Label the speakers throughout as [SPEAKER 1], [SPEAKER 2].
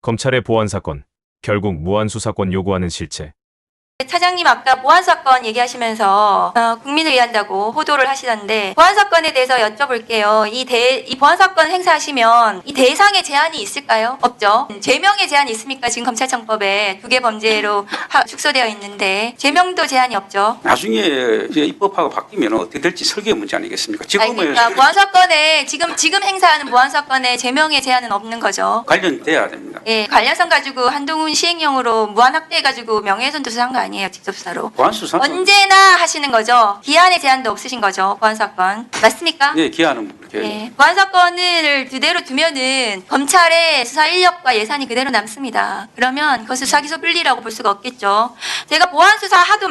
[SPEAKER 1] 검찰의 보안사건, 결국 무한수사권 요구하는 실체.
[SPEAKER 2] 차장님 아까 보안사건 얘기하시면서 국민을 위한다고 호도를 하시던데 보안사건에 대해서 여쭤볼게요. 이 보안사건 행사하시면 이 대상에 제한이 있을까요? 없죠. 제명에 제한이 있습니까? 지금 검찰청법에 2개 범죄로 축소되어 있는데 제명도 제한이 없죠.
[SPEAKER 3] 나중에 이제 입법화가 바뀌면 어떻게 될지 설계 문제 아니겠습니까? 지금은
[SPEAKER 2] 그러니까 보안사건에 지금 행사하는 보안사건에 제명의 제한은 없는 거죠.
[SPEAKER 3] 관련돼야 됩니다.
[SPEAKER 2] 예, 관련성 가지고 한동훈 시행령으로 무한 확대해가지고 명예훼손 조사한 거 아니에요, 직접 수사로.
[SPEAKER 3] 보안수사
[SPEAKER 2] 언제나 하시는 거죠. 기한의 제한도 없으신 거죠, 보안사건. 맞습니까?
[SPEAKER 3] 네, 기한은 그렇게
[SPEAKER 2] 예, 보안사건을 그대로 두면은 검찰의 수사 인력과 예산이 그대로 남습니다. 그러면 그것을 수사기소 분리라고 볼 수가 없겠죠. 제가 보안수사 하도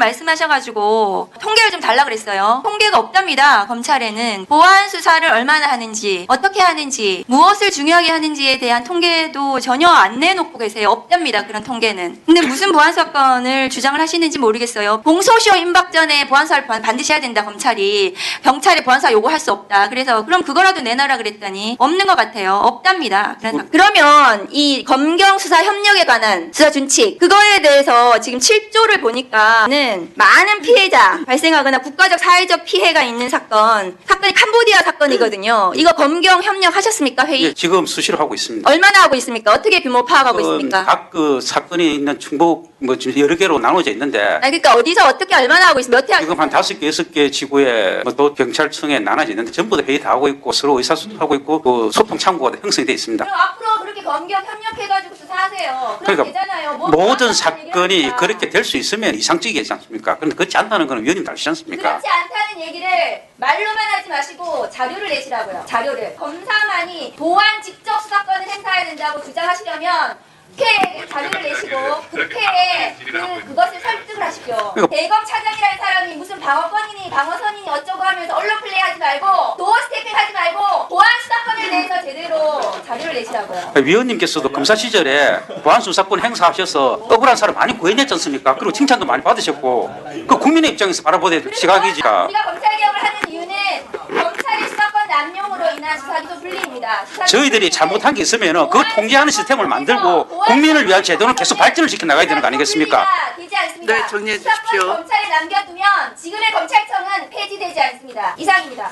[SPEAKER 2] 말씀하셔가지고 통계를 좀 달라 그랬어요. 통계가 없답니다, 검찰에는. 보안수사를 얼마나 하는지, 어떻게 하는지, 무엇을 중요하게 하는지에 대한 통계도 전혀 안 내놓고 계세요. 없답니다, 그런 통계는. 근데 무슨 보안사건을 주장을 하시는지 모르겠어요. 공소시효 임박 전에 보안수사를 반드시 해야 된다, 검찰이. 경찰이 보안수사 요구할 수 없다. 그래서 그럼 그거라도 내놔라 그랬더니 없는 것 같아요. 없답니다. 그러면 이 검경 수사 협력에 관한 수사 준칙, 그거에 대해서 지금 7조를 보니까는 많은 피해자 발생하거나 국가적 사회적 피해가 있는 사건이 캄보디아 사건이거든요. 이거 검경 협력 하셨습니까, 회의?
[SPEAKER 3] 예, 지금 수시로 하고 있습니다.
[SPEAKER 2] 얼마나 하고 있습니까? 어떻게 규모 파악하고 있습니까?
[SPEAKER 3] 각 그 사건이 있는 충북 뭐 지금 여러 개로 나눠져 있는데
[SPEAKER 2] 그러니까 어디서 어떻게 얼마나 하고 있습니까? 몇 회
[SPEAKER 3] 지금 한 5개, 6개 지구에 뭐 또 경찰청에 나눠져 있는데 전부 다 회의 다 하고 있고 서로 의사소통하고 있고 그 소통 창구가 형성이 돼 있습니다.
[SPEAKER 2] 그럼 앞으로 그렇게 검경 협력해가지고 수사하세요. 그럼
[SPEAKER 3] 그러니까
[SPEAKER 2] 되잖아요.
[SPEAKER 3] 모든 사건이 그렇게 될 수 있으면 이상적이지 않습니까? 그런데 그렇지 않다는 건 위원님 다르지 않습니까?
[SPEAKER 2] 그렇지 않다는 얘기를 말로만 하지 마시고 자료를 내시라고요. 자료를. 검사만이 보안 직접 수사권을 행사해야 된다고 주장하시려면 국회에 자료를 내시고 국회에 그것을 설득을 하십시오. 대검 차장이라는 사람이 무슨 방어권이니 방어선이니 어쩌고 하면서 언론 플레이하지 말고 도어 스태핑 하지 말고 보안 수사권에 대해서 제대로 자료를 내시라고요.
[SPEAKER 3] 위원님께서도 검사 시절에 보안수사권 행사하셔서 억울한 사람 많이 구해냈지 않습니까? 그리고 칭찬도 많이 받으셨고 그 국민의 입장에서 바라보는 시각이지가
[SPEAKER 2] 우리가 검찰개혁을 하는 이유는 검찰의 수사권 남용으로 인한 수사기소 분리입니다.
[SPEAKER 3] 저희들이 잘못한 게 있으면 그 통제하는 시스템을 만들고 국민을 위한 제도는 계속 발전을 시켜 나가야 되는 거 아니겠습니까?
[SPEAKER 2] 되지 않습니다.
[SPEAKER 4] 네, 정리해 주십시오.
[SPEAKER 2] 수사권 검찰에 남겨두면 지금의 검찰청은 폐지되지 않습니다. 이상입니다.